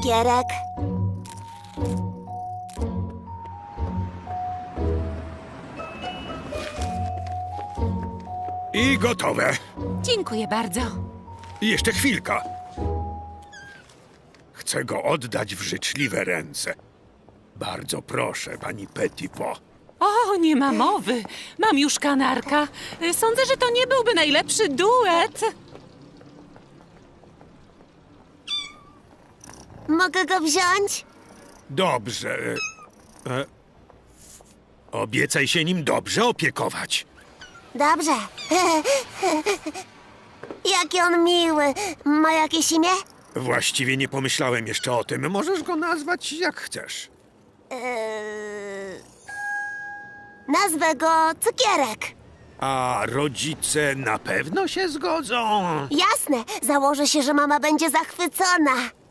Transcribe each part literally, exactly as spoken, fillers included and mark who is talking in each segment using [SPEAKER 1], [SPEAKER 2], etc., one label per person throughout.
[SPEAKER 1] cukierek.
[SPEAKER 2] I gotowe.
[SPEAKER 3] Dziękuję bardzo.
[SPEAKER 2] I jeszcze chwilka. Chcę go oddać w życzliwe ręce. Bardzo proszę, pani Petitpo.
[SPEAKER 3] O, nie ma mowy. Mam już kanarka. Sądzę, że to nie byłby najlepszy duet.
[SPEAKER 1] Mogę go wziąć?
[SPEAKER 2] Dobrze. E, obiecaj się nim dobrze opiekować.
[SPEAKER 1] Dobrze. Jaki on miły. Ma jakieś imię?
[SPEAKER 2] Właściwie nie pomyślałem jeszcze o tym. Możesz go nazwać jak chcesz.
[SPEAKER 1] Eee... Nazwę go Cukierek.
[SPEAKER 2] A rodzice na pewno się zgodzą?
[SPEAKER 1] Jasne. Założę się, że mama będzie zachwycona.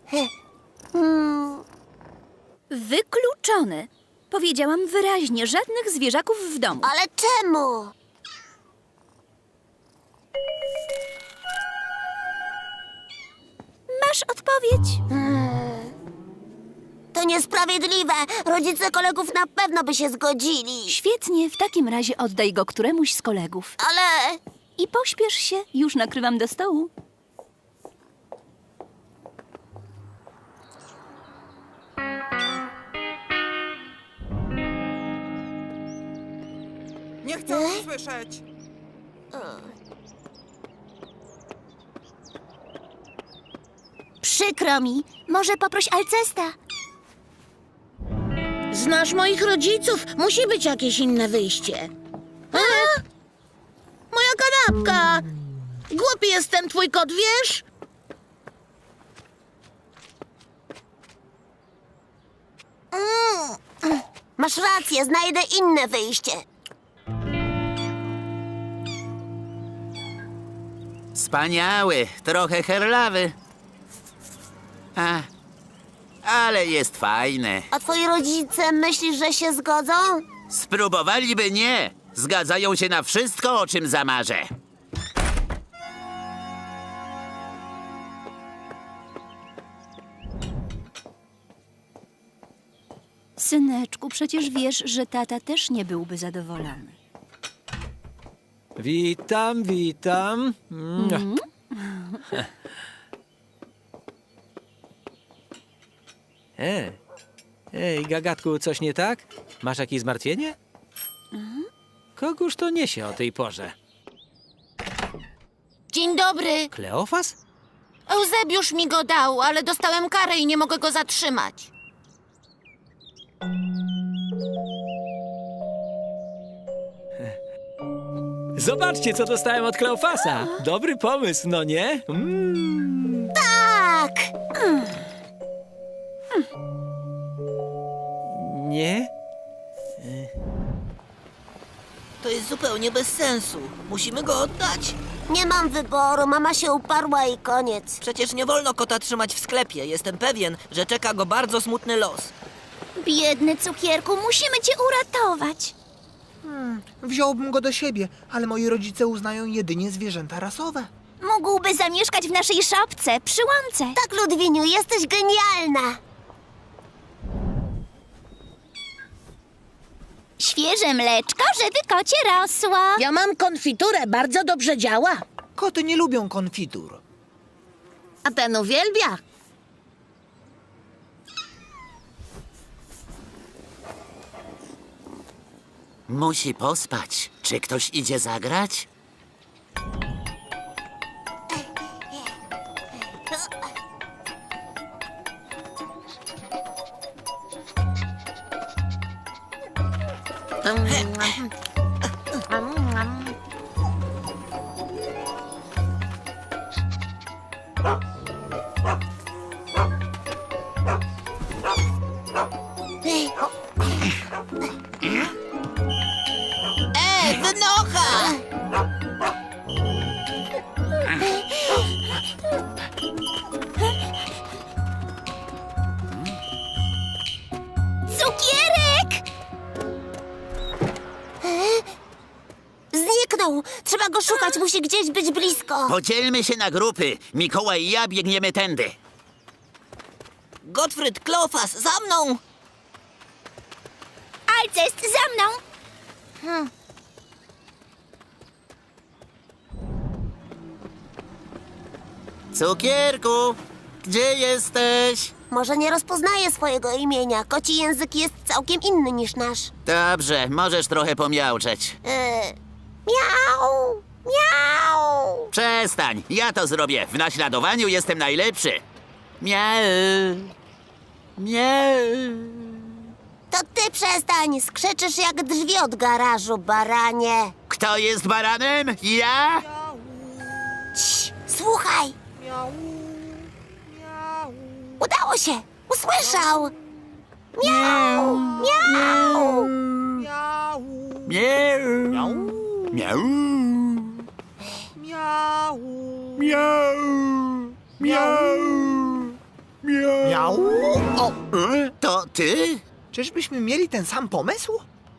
[SPEAKER 1] Hmm.
[SPEAKER 4] Wykluczone. Powiedziałam wyraźnie, żadnych zwierzaków w domu.
[SPEAKER 1] Ale czemu?
[SPEAKER 4] Masz odpowiedź?
[SPEAKER 1] To niesprawiedliwe. Rodzice kolegów na pewno by się zgodzili.
[SPEAKER 4] Świetnie, w takim razie oddaj go któremuś z kolegów.
[SPEAKER 1] Ale...
[SPEAKER 4] I pośpiesz się, już nakrywam do stołu.
[SPEAKER 5] Nie chcę o tym słyszeć.
[SPEAKER 1] Przykro mi. Może poproś Alcesta.
[SPEAKER 6] Znasz moich rodziców. Musi być jakieś inne wyjście. A? Moja kanapka! Głupi jest ten twój kot, wiesz?
[SPEAKER 1] Mm. Masz rację, znajdę inne wyjście.
[SPEAKER 7] Wspaniały, trochę herlawy. A, ale jest fajny.
[SPEAKER 1] A twoi rodzice myślisz, że się zgodzą?
[SPEAKER 7] Spróbowaliby nie. Zgadzają się na wszystko, o czym zamarzę.
[SPEAKER 4] Syneczku, przecież wiesz, że tata też nie byłby zadowolony.
[SPEAKER 8] Witam, witam. Mm. E, ej, gagatku, coś nie tak? Masz jakieś zmartwienie? Kogóż to niesie o tej porze?
[SPEAKER 6] Dzień dobry.
[SPEAKER 8] Kleofas?
[SPEAKER 6] Eusebiusz mi go dał, ale dostałem karę i nie mogę go zatrzymać.
[SPEAKER 8] Zobaczcie, co dostałem od Kleofasa. Dobry pomysł, no nie? Mm.
[SPEAKER 1] Tak!
[SPEAKER 8] Nie?
[SPEAKER 9] To jest zupełnie bez sensu. Musimy go oddać.
[SPEAKER 1] Nie mam wyboru, mama się uparła i koniec.
[SPEAKER 9] Przecież nie wolno kota trzymać w sklepie. Jestem pewien, że czeka go bardzo smutny los.
[SPEAKER 4] Biedny cukierku, musimy cię uratować.
[SPEAKER 5] Hmm, wziąłbym go do siebie, ale moi rodzice uznają jedynie zwierzęta rasowe.
[SPEAKER 4] Mógłby zamieszkać w naszej szopce, przy łące.
[SPEAKER 1] Tak, Ludwiniu, jesteś genialna.
[SPEAKER 4] Świeże mleczko, żeby kocie rosło.
[SPEAKER 6] Ja mam konfiturę, bardzo dobrze działa.
[SPEAKER 5] Koty nie lubią konfitur.
[SPEAKER 6] A ten uwielbia.
[SPEAKER 7] Musi pospać. Czy ktoś idzie zagrać?
[SPEAKER 6] Ej, wynocha!
[SPEAKER 4] Cukierek!
[SPEAKER 1] Zniknął. Trzeba go szukać, musi gdzieś być blisko.
[SPEAKER 7] Podzielmy się na grupy. Mikołaj i ja biegniemy tędy.
[SPEAKER 9] Gottfried, Klofas, za mną!
[SPEAKER 1] Alcest, za mną!
[SPEAKER 7] Cukierku, gdzie jesteś?
[SPEAKER 1] Może nie rozpoznaje swojego imienia. Koci język jest całkiem inny niż nasz.
[SPEAKER 7] Dobrze, możesz trochę pomiauczeć.
[SPEAKER 1] Yy, miau, miau.
[SPEAKER 7] Przestań, ja to zrobię. W naśladowaniu jestem najlepszy. Miau. Miau.
[SPEAKER 1] To ty przestań, skrzyczysz jak drzwi od garażu, baranie.
[SPEAKER 7] Kto jest baranem? Ja?
[SPEAKER 1] Cii, słuchaj. Udało się, usłyszał. Miau, miau.
[SPEAKER 7] Miau. Miau. Miau.
[SPEAKER 5] Miau.
[SPEAKER 2] Miau! Miau! Miau!
[SPEAKER 5] Miau. O,
[SPEAKER 7] E, To ty?
[SPEAKER 5] czyżbyśmy mieli ten sam pomysł?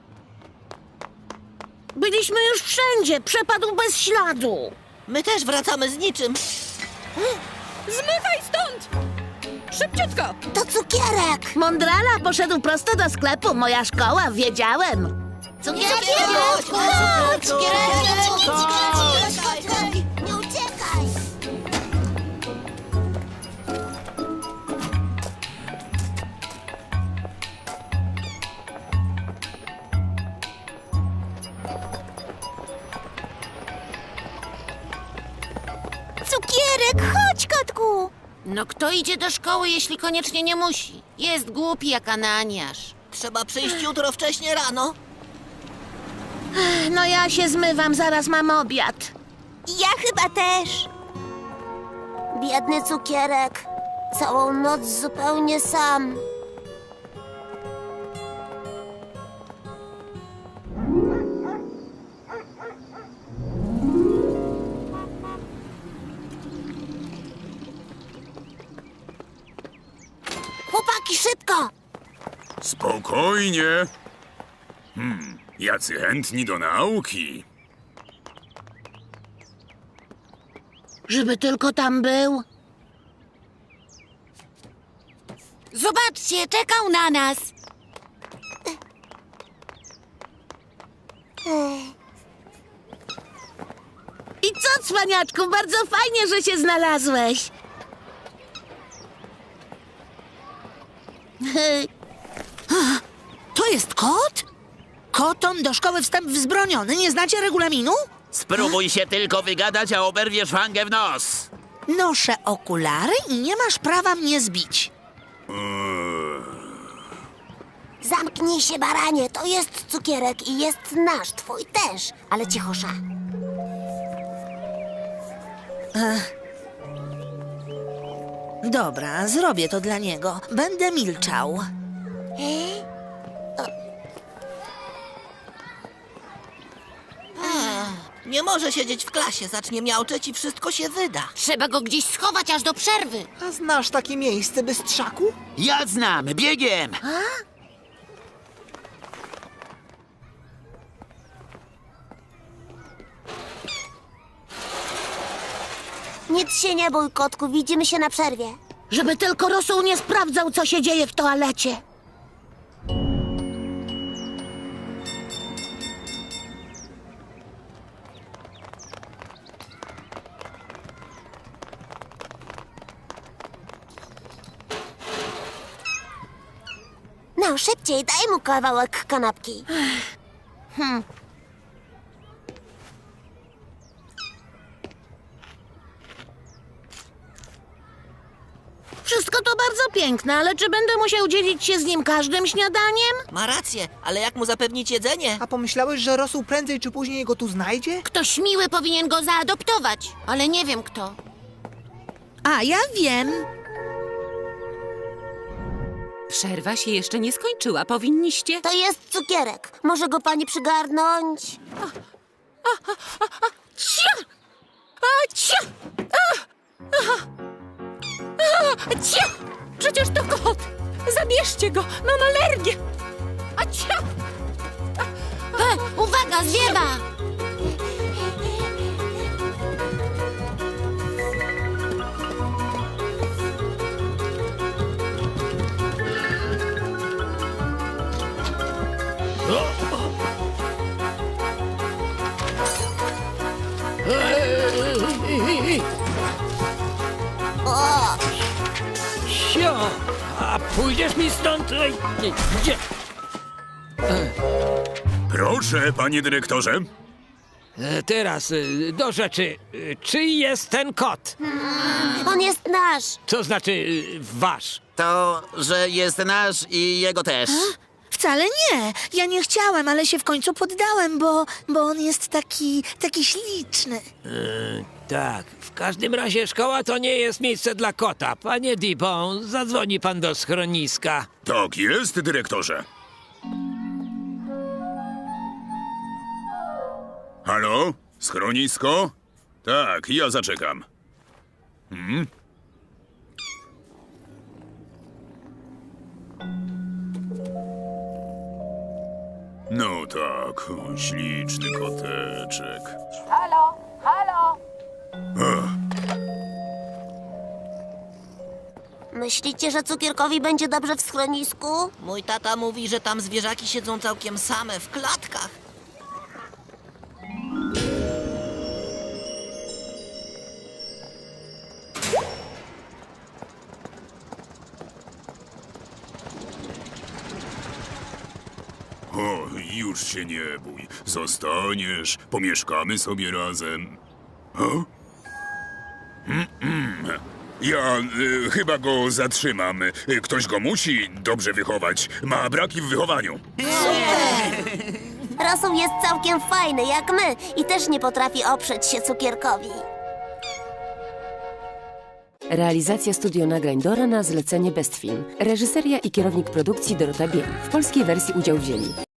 [SPEAKER 6] Byliśmy już wszędzie, przepadł bez śladu.
[SPEAKER 9] My też wracamy z niczym.
[SPEAKER 3] Zmywaj stąd! Szybciutko!
[SPEAKER 1] To cukierek.
[SPEAKER 6] Mądrala poszedł prosto do sklepu, moja szkoła, wiedziałem.
[SPEAKER 1] Cukierek,
[SPEAKER 9] chodź,
[SPEAKER 1] chodź,
[SPEAKER 9] chodź,
[SPEAKER 1] cukierek, nie uciekaj. Cukierek, chodź, kotku.
[SPEAKER 6] No kto idzie do szkoły, jeśli koniecznie nie musi? Jest głupi jak Ananiasz.
[SPEAKER 9] Trzeba przyjść jutro wcześnie rano.
[SPEAKER 6] No ja się zmywam, zaraz mam obiad.
[SPEAKER 1] Ja chyba też. Biedny cukierek. Całą noc zupełnie sam. Chłopaki, szybko!
[SPEAKER 10] Spokojnie. Hmm, jacy chętni do nauki.
[SPEAKER 6] Żeby tylko tam był.
[SPEAKER 1] Zobaczcie, czekał na nas.
[SPEAKER 6] I co, cwaniaczku, bardzo fajnie, że się znalazłeś.
[SPEAKER 11] To jest kot? Kotom do szkoły wstęp wzbroniony. Nie znacie regulaminu?
[SPEAKER 7] Spróbuj się tylko wygadać, a oberwiesz fangę w nos.
[SPEAKER 11] Noszę okulary i nie masz prawa mnie zbić.
[SPEAKER 1] Zamknij się, baranie. To jest cukierek i jest nasz, twój też. Ale cichosza.
[SPEAKER 11] Dobra, zrobię to dla niego. Będę milczał.
[SPEAKER 9] Nie może siedzieć w klasie, zacznie miauczeć i wszystko się wyda.
[SPEAKER 6] Trzeba go gdzieś schować aż do przerwy.
[SPEAKER 5] A znasz takie miejsce, bystrzaku?
[SPEAKER 7] Ja znam, biegiem.
[SPEAKER 1] Nic się nie bój, kotku. Widzimy się na przerwie.
[SPEAKER 6] Żeby tylko Rosół nie sprawdzał, co się dzieje w toalecie.
[SPEAKER 1] No, szybciej, daj mu kawałek kanapki.
[SPEAKER 6] Wszystko to bardzo piękne, ale czy będę musiał dzielić się z nim każdym śniadaniem?
[SPEAKER 9] Ma rację, ale jak mu zapewnić jedzenie?
[SPEAKER 5] A pomyślałeś, że Rosół prędzej czy później go tu znajdzie?
[SPEAKER 6] Ktoś miły powinien go zaadoptować, ale nie wiem kto.
[SPEAKER 11] A, ja wiem.
[SPEAKER 3] Przerwa się jeszcze nie skończyła. Powinniście...
[SPEAKER 1] To jest cukierek. Może go pani przygarnąć?
[SPEAKER 3] Cia! A, cia! A! A! A! Cia! Przecież to kot! Zabierzcie go! Mam alergię! A cia!
[SPEAKER 6] He, uwaga, zwiewa!
[SPEAKER 8] Sio! A pójdziesz mi stąd? Ej, gdzie?
[SPEAKER 10] Proszę, panie dyrektorze.
[SPEAKER 8] E, Teraz y, do rzeczy. Y, Czyj jest ten kot?
[SPEAKER 1] On jest nasz.
[SPEAKER 8] Co znaczy y, wasz?
[SPEAKER 7] To, że jest nasz i jego też.
[SPEAKER 11] Wcale nie. Ja nie chciałem, ale się w końcu poddałem, bo, bo on jest taki, taki śliczny.
[SPEAKER 8] Tak, w każdym razie szkoła to nie jest miejsce dla kota. Panie Dibon, zadzwoni pan do schroniska.
[SPEAKER 10] Tak jest, dyrektorze. Halo? Schronisko? Tak, ja zaczekam. Hmm? No tak, o, śliczny koteczek.
[SPEAKER 3] Halo, halo!
[SPEAKER 1] Myślicie, że cukierkowi będzie dobrze w schronisku?
[SPEAKER 9] Mój tata mówi, że tam zwierzaki siedzą całkiem same w klatkach.
[SPEAKER 10] O, już się nie bój. Zostaniesz, pomieszkamy sobie razem. O? Mm-mm. Ja y, chyba go zatrzymam. Y, Ktoś go musi dobrze wychować. Ma braki w wychowaniu.
[SPEAKER 1] Rosół jest całkiem fajny, jak my, i też nie potrafi oprzeć się cukierkowi.
[SPEAKER 12] Realizacja studio nagrań Dora na zlecenie Best Film. Reżyseria i kierownik produkcji Dorota Biel. W polskiej wersji udział wzięli